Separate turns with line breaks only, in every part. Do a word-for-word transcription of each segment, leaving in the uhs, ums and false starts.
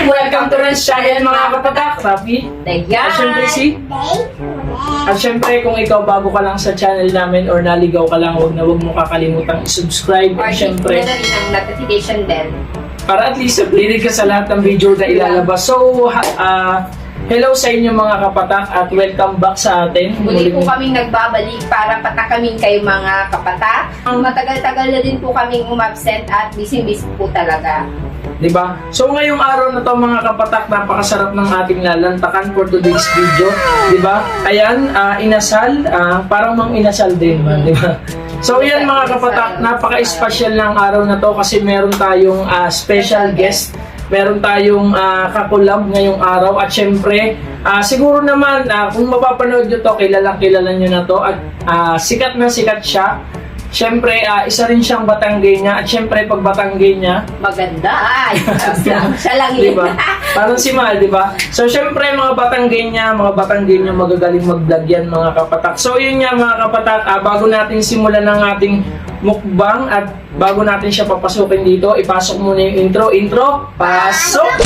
Welcome to Ren's channel mga kapatak. Rafi.
Ayan.
At syempre si... At syempre kung ikaw bago ka lang sa channel namin or naligaw ka lang, huwag na huwag mo kakalimutang i-subscribe.
Or
At syempre,
na rin ang notification bell.
para at least updated ka sa lahat ng video na ilalabas. So, ha, uh, hello sa inyo mga kapatak at welcome back sa atin.
Muli po kaming nagbabalik para patakamin kayo mga kapatak. Matagal-tagal na din po kaming umabsent at busy-busy po talaga.
Diba? So ngayong araw na to mga kapatak, napakasarap ng ating lalantakan for today's video. Diba? Ayan, uh, inasal, uh, parang mang inasal din man, diba? So yan mga kapatak, napaka-special ng araw na to kasi meron tayong uh, special guest. Meron tayong uh, kakulab ngayong araw at syempre, uh, siguro naman uh, kung mapapanood nyo to, kilalang kilala nyo na to at uh, sikat na sikat siya. Syempre, uh, isa rin siyang Batanggay niya at syempre pag Batanggay niya,
Maganda! Ay! Siya lang yun.
diba? Parang si Mal, diba? So syempre mga Batanggay niya, mga Batanggay niya magagaling mag-vlog yan mga kapatak. So yun nga mga kapatak, uh, bago natin simulan ng ating mukbang at bago natin siya papasukin dito, ipasok muna yung intro. Intro, pasok!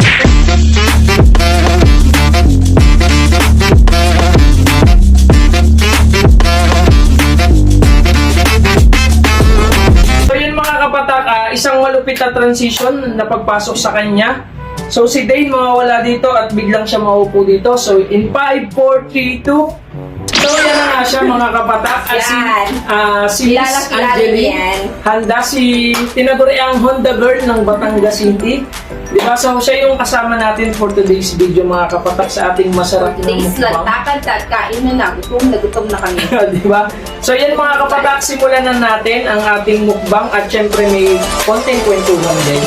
So yun mga kapatak, uh, isang malupit na transition na pagpasok sa kanya. So si Dane mawawala dito at biglang siya maupo dito. So in five, four, three, two. So yan na nga siya mga kapatak. At si, uh, si Miss
Kilala-kilala
Angeline,
yan.
handa si tinaguri ang Honda Girl ng Batangas City. Diba? So siya yung kasama natin for today's video mga kapatak sa ating masarap na
Today's
mukbang.
lantakan at kain na na. Gutom na gutom na kami.
Diba? So yan mga kapatak, simulan na natin ang ating mukbang at syempre may konting kwentuhan din.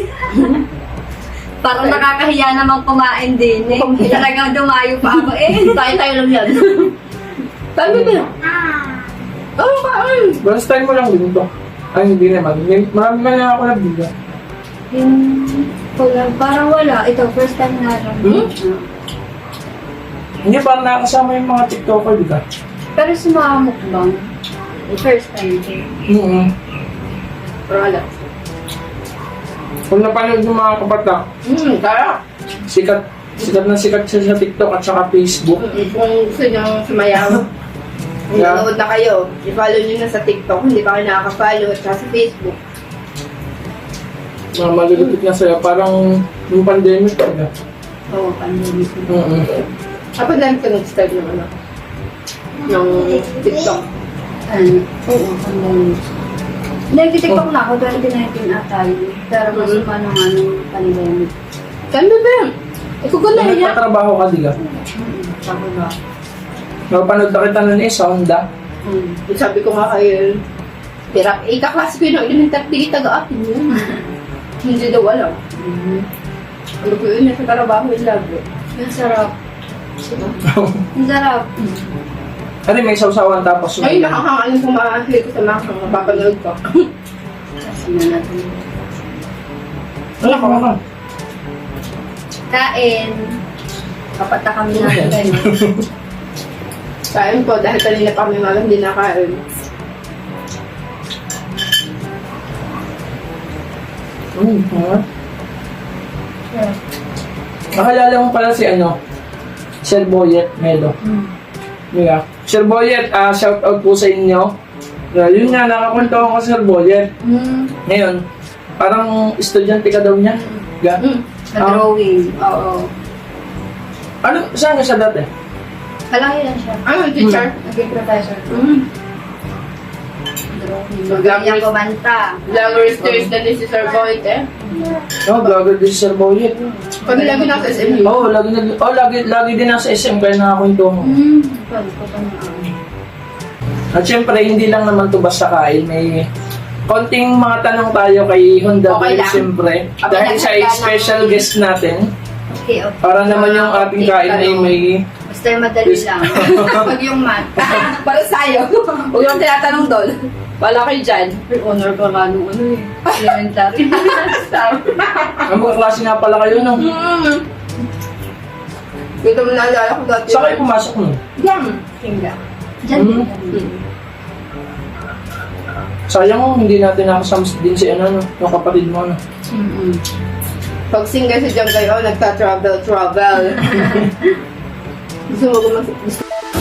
Parang nakakahiya namang kumain din eh. Talagang dumayo pa ako eh.
Tayo-tayo lang yan. Sabi ba? Oo, kain.
Last time mo lang din ito. Ay, hindi naman. May- Marami na lang ako nabigla.
Yung wala, parang wala. Ito, first time nga lang.
Hmm? Hindi, parang nakakasama yung mga TikToker, di ba?
Pero sa mga mukbang, first time din.
Mm-hmm.
Pero wala.
Kung napanood ng mga kapatak,
Hmm, kaya.
sikat, sikat na sikat siya sa TikTok at saka Facebook.
Kung gusto nyo sumayaw,
Yeah.
nanonood na kayo. I-follow nyo na sa TikTok. Hindi pa kayo nakaka-follow at saka sa Facebook.
Mga malulupit na sa'yo, parang yung pandemic talaga.
Oo, pandemic.
Mm-hmm.
Ako lang ka nag-start ng ano? Ng TikTok.
Ano? Oo, pandemic. Nag-tiktok na ako, twenty nineteen ata yun. Pero mas
Mhm.
pa nung ano, pandemic.
Saan ba ba? Ikaw ko na
Kung
yan.
nagpatrabaho ka, di ka?
Mm, Ako ba?
Napanood na kita nun eh, sa Honda.
Mm.
Sabi ko nga kayo, hirap. Eh, kaklase ko yun ng elementary, taga-atin yun. Hindi daw alam.
Mhm.
Ano ko yun, nasa trabaho yung labo.
Ang sarap. Ang sarap.
Ano may sausawan tapos
Ay, nakakangalan kung makakahil ko sa mga mapapanood ko.
Kasi na natin.
Wala ka ka.
Kain. Kapata kami natin.
Kain ko, dahil kanina pa kami malang hindi nakain.
Mm, ha? Nakalala mo pala si ano, Sir Boyet Melo.
Mm.
Yeah. Sir Boyet, uh, shout out po sa inyo. Uh, yun nga, nakakwento ako kay Sir Boyet.
Mm.
Ngayon, parang estudyante ka daw niya. Yeah.
Mm.
Drawing. Oo.
Ano, saan ka siya dati?
Kalaki lang siya.
Ano, teacher?
Naging professor.
Mm.
Drawing.
So,
Magaling kumanta.
Vloggers Thursday na ni si Sir Boyd eh.
No, vlogger din si Sir Boyet.
Pag lagi nasa S M U.
Oo, oh, lagi, nag- oh, lagi, lagi din nasa S M kaya nakakwento mo.
Hmm. Pwede ko pa na.
At syempre, hindi lang naman to basta kain. May konting mga tanong tayo kay Honda
Okay
Girl,
lang.
syempre.
Okay
Dahil
lang,
siya ay
handa lang.
special guest natin.
Okay, okay.
Para naman yung
Ah,
ating
okay,
kain ay
tanong.
may...
Basta yung madali lang. Pag yung math.
Para sa'yo. Huwag yung tinatanong doon. Wala kayo dyan.
May honor pa nga nung ano eh. Elementary.
Ang mga klase nga pala kayo, no?
Mm. Ito mo naalala ko dati.
Saan kayo pumasok nun?
Yan. Hinga.
Diyan.
Mhm.
Mm.
Sayang mo, hindi natin nakasama din si ano, no, yung kapatid mo. No?
Mm-mm.
Pag single si John kayo, nagta-travel, travel. Gusto mo gumas... Gusto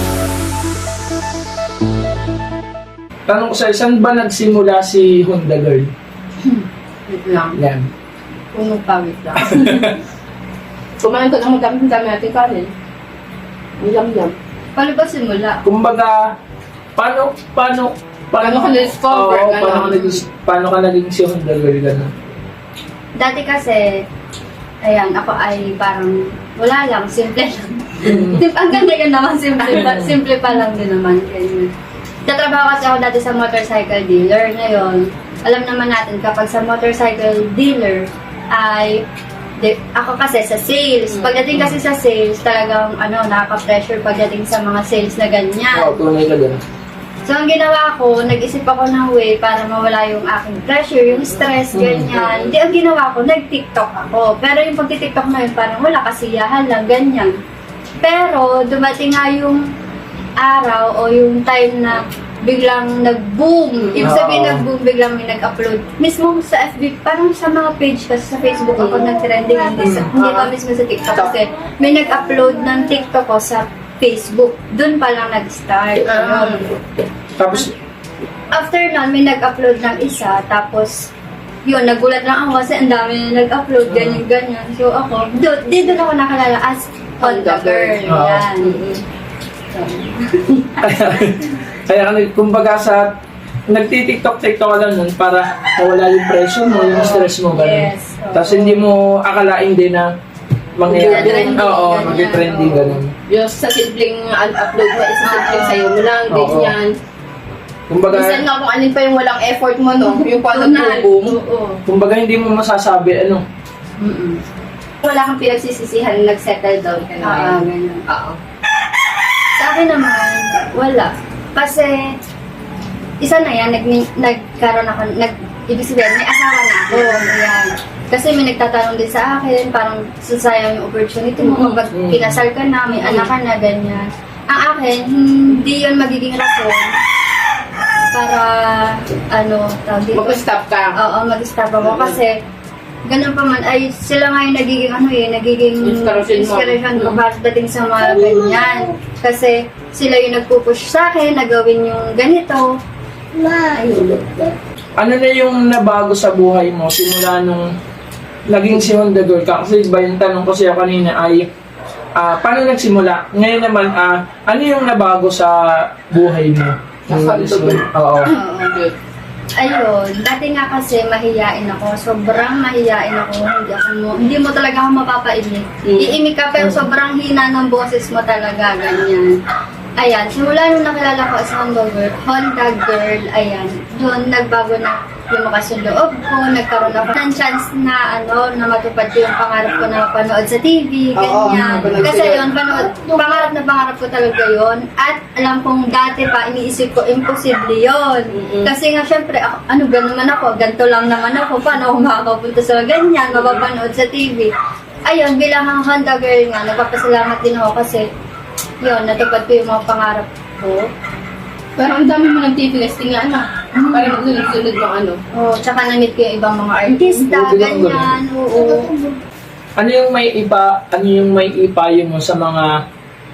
Tanong ko sa'yo, saan ba nagsimula si Honda Girl?
Wait lang.
Yan.
Puno pa, wait lang. Kumain ko ng magkamit ng dami natin kanin. Ang yam-yam.
Paano ba simula?
Kumbaga, paano, paano,
Paano ka na-discover?
Oo,
Ganon.
paano ka naging, paano ka naging si Honda Girl, gano'n?
Dati kasi, ayan, ako ay parang wala lang, simple lang.
Mm.
Sim- Ang ganda-ganda naman, simple pa, simple pa lang din naman. Ganyan. Tatrabaho kasi ako dati sa motorcycle dealer. Ngayon, alam naman natin kapag sa motorcycle dealer ay di, ako kasi sa sales. Pagdating kasi sa sales, talagang ano, nakaka-pressure pagdating sa mga sales na ganyan.
Oo, tunay ka dun.
So, ang ginawa ko, nag-isip ako ng way para mawala yung aking pressure, yung stress, ganyan. Hindi, ang ginawa ko, nag-TikTok ako. Pero yung pag-TikTok na yun, parang wala, kasiyahan lang, ganyan. Pero, dumating nga yung araw o yung time na biglang nag-boom. Ibig sabihin
Oo.
nag-boom, biglang may nag-upload. Mismo sa F B, parang sa mga page kasi sa Facebook ako nag-trending, hindi, sa, hindi pa mismo sa TikTok kasi may nag-upload ng TikTok ko sa Facebook. Doon pa lang nag-start.
Ah.
Yun.
Tapos,
After nun, may nag-upload ng isa, tapos yun, nagulat lang ako kasi ang dami na nag-upload, ganyan-ganyan. So ako, doon, di doon ako nakalala as Honda Girl.
Oo.
Yan.
kaya ka, nag- kumbaga sa, nagti-TikTok-TikTok ka lang nun para mawala yung pressure mo, yung stress mo, gano'n.
Yes. Oo.
Tapos hindi mo akalain din na mangyayari.
Mag-trending,
Oo,
ganyan.
mag-trending,
Oo.
gano'n.
Yung sa simpleng upload mo, isa simpleng sayo mo lang,
Oo.
ganyan.
Kumbaga,
Minsan nga kung alin pa yung walang effort mo, no? Yung paano
Tunay.
boom.
Oo.
kumbaga hindi mo masasabi, ano,
Mm-mm.
Wala kang pinagsisisihan, nag-settle down ka na.
Ah, ganyan.
Oo.
Sa akin naman, wala. Kasi, isa na yan, nag, nagkaroon ako, nag, ibig sabihin, may asawa na ako. Ayan. Kasi may nagtatanong din sa akin, parang sasayang yung opportunity mo. Kapag
Mm.
kinasal ka na, may anak ka na, ganyan. Ang akin, hindi yun magiging rason para, ano, tawag dito.
Mag-stop ka.
Oo, mag-stop ako. Kasi, ganun pa man, ay sila nga yung nagiging ano eh, nagiging
Inspiration mo.
inspiration ko pagdating sa mga ganyan. Kasi sila yung nagpupush sa akin na gawin yung ganito. Ayun.
ano na yung nabago sa buhay mo simula nung naging si Honda Girl ka? Kasi ba yung tanong ko siya kanina ay, ah, paano nagsimula? Ngayon naman, ah, ano yung nabago sa buhay mo? Nung
Sa
nag-isip-
Honda Girl.
Oo.
Oo. Ayun, dati nga kasi mahiyain ako. Sobrang mahiyain ako. Hindi ako mo, hindi mo talaga ako mapapaimik.
Mm.
Iimik ka pero sobrang hina ng boses mo talaga, ganyan. Ayan, simula nung nakilala ko as Honda Girl, Honda Girl, ayan, doon nagbago na lumakas yung loob ko, nagkaroon ako ng chance na ano, na matupad ko yung pangarap ko na mapanood sa T V,
Oo,
ganyan.
mapanood
Kasi
sila.
yun, panood, pangarap na pangarap ko talaga yun. At alam kong dati pa, iniisip ko, imposible yun.
Mm-mm.
Kasi nga, syempre, ako, ano ba naman ako, ganito lang naman ako, paano ako makakapunta sa ganyan, mapapanood sa T V. Ayun, bilang ang Honda Girl nga, nagpapasalamat din ako kasi, yun, natupad ko yung mga pangarap ko.
Pero ang dami mo ng T V listing nga, ano? Parang sunod-sunod yung ano.
Oh, tsaka na-meet ko yung ibang mga artista,
Oo, ganun,
ganyan, oo.
Ano yung may ipa, ano yung may ipayo mo sa mga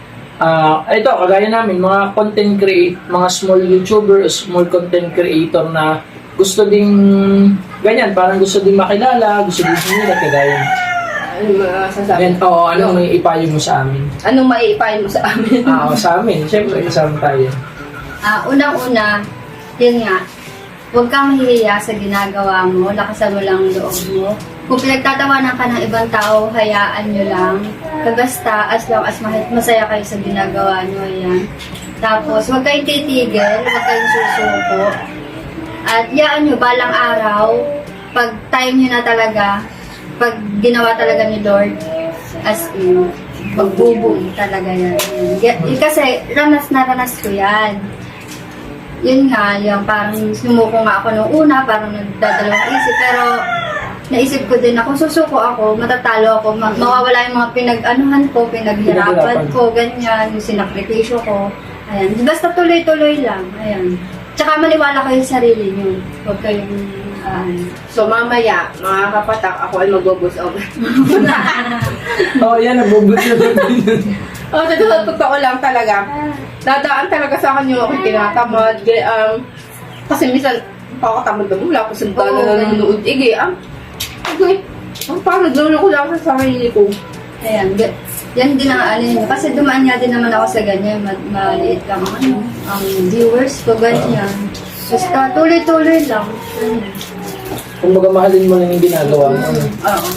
ah ito kagaya namin mga content create, mga small YouTuber, small content creator na gusto ding ganyan, parang gusto ding makilala, gusto ding sumila kagaya.
Ano masasabi?
And oo, ano may ipayo mo sa amin?
Anong maiipayin mo sa amin?
Ah, oo, sa amin, syempre kasama tayo.
Ah, unang-una, yun nga, huwag kang mahihiya sa ginagawa mo, lakasan mo lang ang loob mo. Kung pinagtatawanan ka ng ibang tao, hayaan nyo lang. Basta, as long as ma- masaya kayo sa ginagawa nyo, ayan. Tapos, huwag kayong titigil, huwag kayong susuko. At yaan nyo, balang araw, pag time nyo na talaga, pag ginawa talaga ni Lord, as in, magbubong talaga yan. Y- kasi, ranas na ranas ko yan. Yun nga, yung parang sumuko nga ako nung una, parang nagdadalawang isip, pero naisip ko din ako, susuko ako, matatalo ako, ma- mawawala yung mga pinag-anuhan ko, pinaghirapan
Pinaghirapan.
ko, ganyan, yung sinakripisyo ko. Ayan, basta tuloy-tuloy lang, ayan. Tsaka maniwala kayo sa sarili nyo, huwag kayong, Ah,
So mamaya, mga kapatak, ako ay magbubus over.
Oo, oh, yan, nabubot na din.
Oh, totoo, totoo lang talaga. Dadaan talaga sa akin yung aking tinatamad. Gaya, Um, kasi minsan, pakatamad na mula ako sa dala
Oo.
na nanonood. Ige, ah, okay. Ang parang nagluloko lang sa sarili ko.
Ayan, ga- yan din ang ano yun. Kasi dumaan nga din naman ako sa ganyan. Ma- maliit lang ang, ano, ang viewers ko, ganyan. Basta tuloy-tuloy lang. Ganyan.
Kung baga mahalin mo lang yung ginagawa mo. ano.
Oo.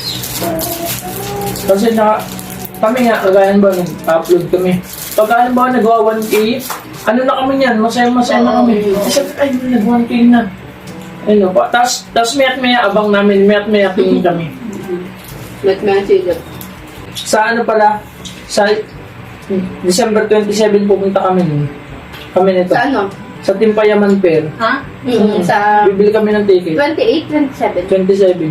Kasi na, kami nga, kagaya ba, nag-upload kami. Pagka halimbawa nagawa one K, ano na kami niyan, masaya-masaya na kami. Kasi, ay, nag one K na. Ayun pa. Tapos, tapos mayat maya abang namin, mayat maya tingin kami.
Let me answer that.
Sa ano pala, sa December twenty-seven pupunta kami nun. Kami nito.
Sa ano?
Sa Timpayaman Fair.
Ha?
Mm, sa
Bibili kami ng ticket.
twenty-eight, twenty-seven.
twenty-seven.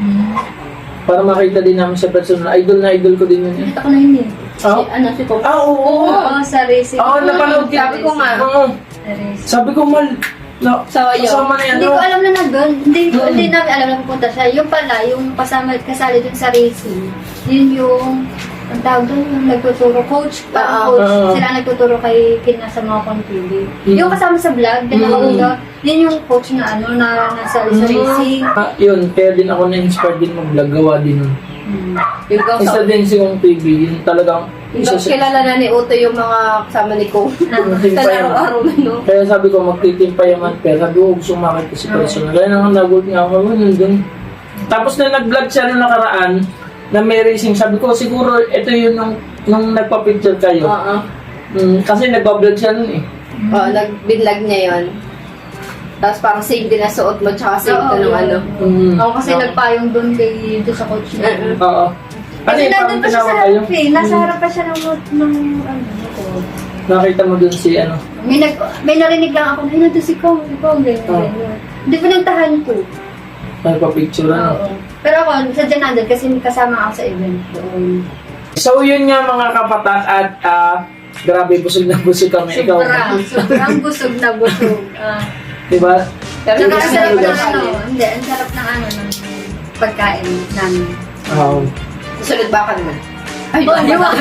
Para makita din namin sa personal. Idol na idol ko din yun eh.
Ito ko na hindi.
Si,
Ah,
ano, si Kong.
ah oo.
Oo, sa racing.
Oo, napanood kita.
Sabi ko nga.
Oo.
Sa racing.
Sabi ko, mal, na,
So, yun.
kasama na yan.
Hindi
no?
ko alam na nandun. Hindi, ko,
Mm.
hindi namin alam na pupunta siya. Yung pala, yung kasama, kasali dun sa racing, yun yung, ang tawag dun, yung nagtuturo, coach, parang
Oo.
coach,
Oo.
sila ang nagtuturo kay Kina sa mga contribute.
Mm.
Yung kasama sa vlog, din
Mm.
ako yun yung coach na ano, na nasa sa racing.
Ah, yun, kaya din ako na-inspire din mag-vlog, gawa din nun.
Mm.
Yung Kong
Isa
sa...
din si Kong T V, yun talagang isa sa...
Kilala na ni Uto yung mga kasama ni Kong. Sa araw-araw na, no?
Kaya sabi ko, magtitimpayaman, pero sabi ko, gusto makita si personal. Kaya nang nagot nga ako, yun dun. Tapos na nag-vlog siya nung nakaraan, na may racing, sabi ko, siguro, ito yun nung, nung nagpa-picture kayo.
Oo.
Mm, kasi nagpa-vlog siya nun eh.
Oo, nag-binlag niya yun. Tapos parang same din na suot mo, tsaka same
Oo,
ka ng
yun.
ano.
Mm.
Ako kasi
Oo.
nagpayong doon kay doon sa coach niya.
Mm-mm.
Oo. Ano
Kasi
yung
nandun
parang
pa siya sa
tinawag kayo?
harap eh. Nasa harap pa siya ng, ng ano, motor.
Nakita mo dun si ano.
May, nag, may narinig lang ako, ay, nandun si Kong, si Kong, ganyan,
Oh.
ganyan. Hindi pinagtahan ko.
Nagpa-picture ano.
Oo. Pero ako, sadya nandun kasi kasama ako sa event doon.
So yun nga mga kapatak at ah, grabe busog na busog kami. Ikaw.
Sobrang, sobrang busog na busog. Ah.
Diba?
Pero
Tsaka
hindi
ang
na
sarap
lugar
ng ano,
kami.
hindi, ang sarap ng ano, ng pagkain namin.
Um,
Susunod ba ka naman? Ay,
Oh, di ba?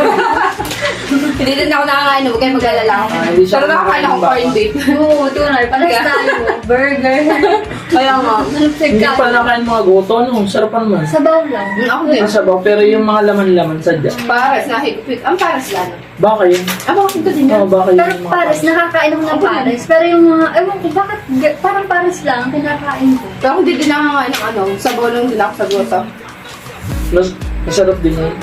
Hindi din ako nakakain, huwag kayo mag-alala ako.
Ah, hindi siya
Pero nakakain ako
nakakain ba?
corned beef.
Oo, tunay, parang tayo. Burger.
Kaya nga.
hindi pa nakain mga goto, no? Sarap pa naman.
Sabaw lang.
Mm, Ako din.
Masabaw, pero yung mga laman-laman sadya.
Pares na higpit. Ang pares lang.
Baka yun.
Ah, bakit ko din
Oo,
yan?
baka yun
Pero
yung mga
pares, nakakain ako ng pares. Pero yung mga, ewan ko, bakit ga- parang pares lang ang kinakain ko.
Pero ako hindi din nakakain ng ano, sabaw lang din ako sa goto.
Mas, masarap din yun.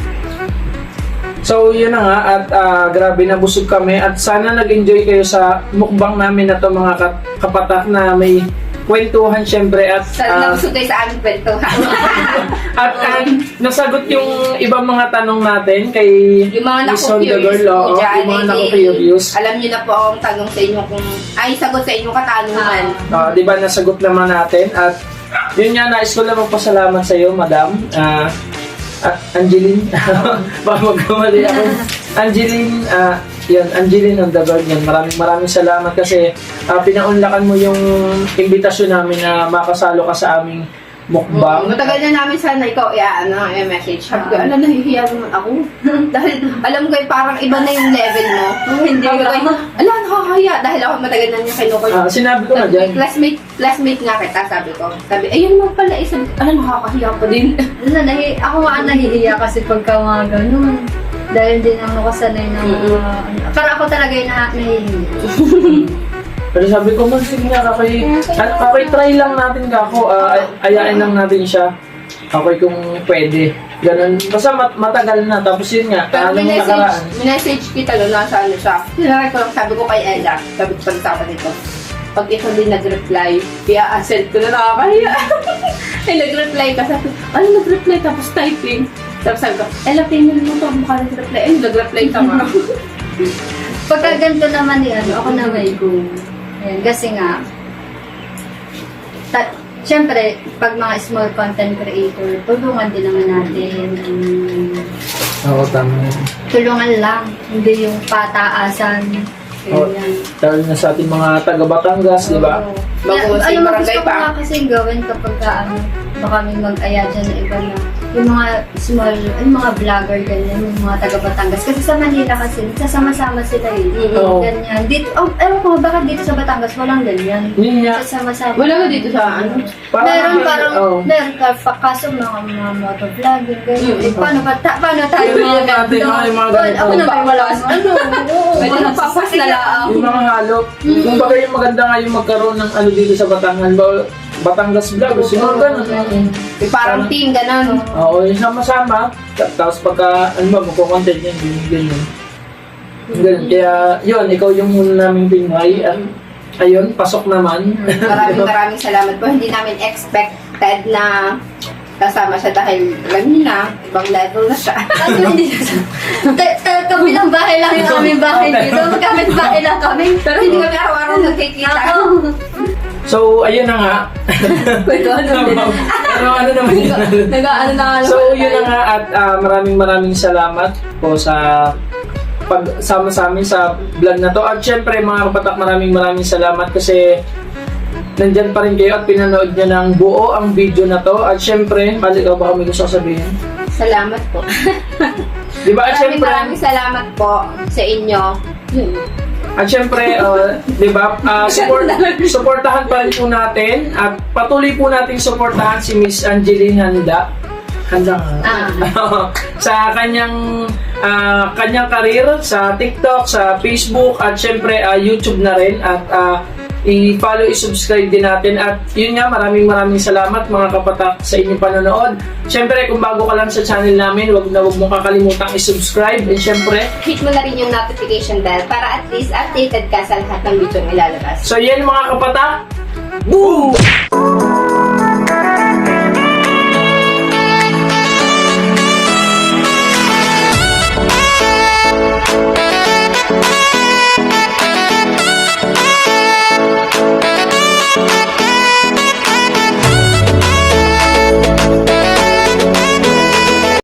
So, yun na nga, at ah, grabe na busog kami at sana nag-enjoy kayo sa mukbang namin na to mga ka- kapatak na may kwentuhan syempre at
Sa
ah,
nabusog kayo sa aming kwentuhan.
at ah, nasagot yung ibang mga tanong natin kay
Yung mga
Miss Honda
naku-curious
Girl,
po
oo,
dyan,
yung mga
eh,
naku-curious.
alam niyo na po akong tanong sa inyo kung, ay, sagot sa inyong katanungan.
Ah, di ba nasagot naman natin at yun nga, nais ko lang magpasalamat sa iyo, Madam. Ah, ah, Angeline. Baka magkamali ako. Angeline, ah, yun, Angeline on the Bird yan. Maraming maraming salamat kasi ah, pinaunlakan mo yung imbitasyon namin na makasalo ka sa aming mukbang.
Mm, matagal na namin sana ikaw i-ano, i-message. Sabi ko, ala, nahihiya naman ako. Dahil, alam ko, eh, parang iba na yung level mo.
Hindi
Sabi ko,
ka.
eh, ala, nakakahiya. Dahil ako matagal na niya kinukoy.
Ah, sinabi ko na
Sabi,
dyan.
classmate, classmate nga kita, sabi ko. Sabi, ayun mo pala, isa, ala, nakakahiya pa din.
Ano, nahi, ako nga ang nahihiya kasi pagka mga ganun. Dahil hindi naman ako sanay na mga, ano, parang ako talaga yung na, nahihiya.
Pero sabi ko, man, sige nga, kakoy, at kakoy, try lang natin kako, ah, ay- ayain lang natin siya. Kakoy kung pwede. Ganun. Basta mat- matagal na, tapos yun nga,
Pero
anong
minessage,
nakaraan.
minessage kita doon, nasa ano siya. Sinari ko lang, sabi ko kay Ella, sabi ko pag sa nito. Pag ikaw din nag-reply, kaya asset ko na nakakahiya. Ay, nag-reply ka, sabi ko, ano nag-reply tapos typing? Tapos sabi ko, Ella, tingnan mo to, mukha nag-reply. Ay, nag-reply ka nga.
Pagka ganito naman ni ano, ako na may go. Ayan, kasi nga, ta- syempre, pag mga small content creator, tulungan din naman natin. Um,
Oo, tama.
tulungan lang, hindi yung pataasan.
Oo.
Ganyan.
Dahil na sa ating mga taga Batangas, di ba?
Oo.
bago sa
Alam mo,
barangay
gusto ko
pa.
nga kasi gawin kapag ka, ano, baka may mag-aya dyan na iba na yung mga small, yung mga vlogger ganyan, yung mga taga Batangas. Kasi sa Manila kasi, nagsasama-sama sila eh.
Oo.
Ganyan. Dito, oh, ewan ko, bakit dito sa Batangas walang ganyan?
Yun nga.
Nagsasama-sama.
Wala ba dito sa ano?
Meron parang,
oh.
meron ka, pa, kaso mga mga motovlogging, ganyan.
Mm.
Eh, paano ba, ta, paano tayo
Yung mga
mga
natin,
ganito?
mga- yung mga
Well,
ganito.
ako naman wala. Ano? Oo.
Pwede nagpapas na lang.
Yung mga halo. Kung baga yung maganda nga yung magkaroon ng ano dito sa Batangas, ba- Batangas Vlog, yung mga ganun.
Yung parang team, gano'n.
Oo, yung sama-sama. Ta- Tapos pagka, ano ba, magkukontent yan, yun, ganyan. Ganun. Kaya, yun, ikaw yung muna naming Pinoy. At, ayun, pasok naman.
Maraming maraming salamat po. Hindi namin expected na kasama siya dahil alam niyo na, ibang level na siya.
Ano, hindi ta- ta- kabilang bahay lang yung aming bahay dito. Kapit bahay lang kami.
Pero hindi kami araw-araw nagkikita.
Oo.
So, ayun na nga.
Pwede ano din.
Pero ano naman yun?
Nag-ano na nga.
So, yun na nga at ah, maraming maraming salamat po sa pagsama sa amin sa vlog na to. At syempre, mga kapatak, maraming maraming salamat kasi nandyan pa rin kayo at pinanood nyo ng buo ang video na to. At syempre, Mali, ikaw baka may gusto sabihin?
Salamat po.
Di ba? At
Maraming
syempre,
maraming salamat po sa inyo. Yun.
At syempre, uh, di ba, uh, support, supportahan pa rin po natin at patuloy po natin supportahan si Miss Angeline Handa. Handa nga.
Ah.
Sa kanyang ah, kanyang karir sa TikTok, sa Facebook at syempre ah, YouTube na rin at ah, i-follow, i-subscribe din natin at yun nga, maraming maraming salamat mga kapatak sa inyong panonood. Syempre, kung bago ka lang sa channel namin, wag na wag mong kakalimutang i-subscribe and syempre,
Hit mo na rin yung notification bell para at least updated ka sa lahat ng video ilalabas.
so yan mga kapatak, boom!